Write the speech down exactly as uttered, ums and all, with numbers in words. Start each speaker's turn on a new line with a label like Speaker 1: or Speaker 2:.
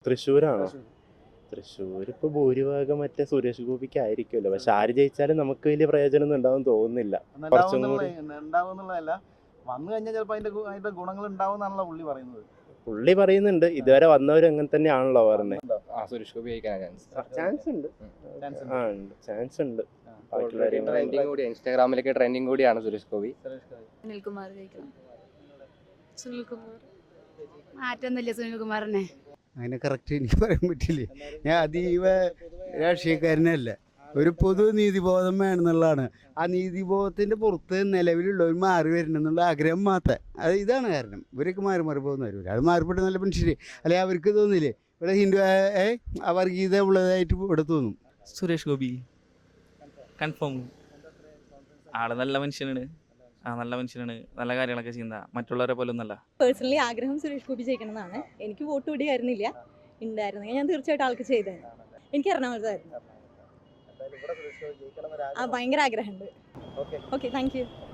Speaker 1: തൃശ്ശൂരാണോ? തൃശ്ശൂർ ഇപ്പോൾ ഭൂരിഭാഗം മറ്റേ സുരേഷ് ഗോപിക്ക് ആയിരിക്കുമല്ലോ. പക്ഷെ ആര് ജയിച്ചാലും നമുക്ക് വലിയ പ്രയോജനമൊന്നും ഉണ്ടാവും തോന്നുന്നില്ല. കുറച്ചും കൂടി
Speaker 2: ഉണ്ടാവുന്നുള്ളതല്ല, വന്നു കഴിഞ്ഞാൽ ചിലപ്പോൾ അതിന്റെ ഗു- അതിന്റെ ഗുണങ്ങൾ ഉണ്ടാവും എന്നാണല്ലോ പുള്ളി പറയുന്നത്.
Speaker 1: പുള്ളി പറയുന്നുണ്ട്. ഇതുവരെ വന്നവരും അങ്ങനെ തന്നെയാണല്ലോ പറഞ്ഞത്.
Speaker 3: ആ സുരേഷ് ഗോപി ജയിക്കാനാ ചാൻസ്.
Speaker 1: ചാൻസ് ഉണ്ട്.
Speaker 2: Chance ഉണ്ട്.
Speaker 1: ആ ഉണ്ട്, ചാൻസ് ഉണ്ട്.
Speaker 2: ആ.
Speaker 1: ബാക്കിയുള്ളവരെയും
Speaker 3: ട്രെൻഡിങ് കൂടി ഇൻസ്റ്റാഗ്രാമിലൊക്കെ ട്രെൻഡിങ് കൂടിയാണ് സുരേഷ് ഗോപി.
Speaker 2: സുരേഷ് ഗോപി.
Speaker 4: സുനിൽകുമാർ ജയിക്കണം. സുനിൽകുമാർ മാറ്റൊന്നുമില്ല. സുനിൽകുമാറിനെ
Speaker 5: അങ്ങനെ കറക്റ്റ് എനിക്ക് പറയാൻ പറ്റില്ല. ഞാൻ അതീവ രാഷ്ട്രീയക്കാരനല്ല. ഒരു പൊതു നീതിബോധം വേണമെന്നുള്ളതാണ്. ആ നീതിബോധത്തിൻ്റെ പുറത്ത് നിലവിലുള്ളവർ മാറി വരണം എന്നുള്ള ആഗ്രഹം മാത്രം. അത് ഇതാണ് കാരണം. ഇവരൊക്കെ മാറി മാറി പോകുന്നവർ. ഒരാൾ മാറിപ്പെട്ട നല്ല മനുഷ്യർ അല്ലെങ്കിൽ അവർക്ക് തോന്നില്ലേ ഇവിടെ ഹിന്ദു അവർഗീയത ഉള്ളതായിട്ട് ഇവിടെ തോന്നും.
Speaker 6: സുരേഷ് ഗോപി കൺഫേം. ആള് നല്ല മനുഷ്യനാണ്. ആ നല്ല മനുഷ്യനാണ്. നല്ല കാര്യങ്ങളൊക്കെ ചെയ്യുന്ന, മറ്റുള്ളവരെ പോലെ ഒന്നല്ല.
Speaker 7: പേഴ്സണലി ആഗ്രഹം സുരേഷ് ഗോപി ജയിക്കണം എന്നാണ്. എനിക്ക് വോട്ട് പിടിയായിരുന്നില്ല. ഉണ്ടായിരുന്നെങ്കിൽ ഞാൻ തീർച്ചയായിട്ടും ആൾക്ക് ചെയ്തേനെ. എനിക്ക് എറണാകുളത്തായിരുന്നു.
Speaker 2: എന്തായാലും ഇവിടെ സുരേഷ് ഗോപി ജയിക്കണം എന്നൊരു
Speaker 7: ആ
Speaker 2: ആഗ്രഹം.
Speaker 7: ഭയങ്കര ആഗ്രഹമുണ്ട്.
Speaker 2: Okay.
Speaker 7: Okay, thank U.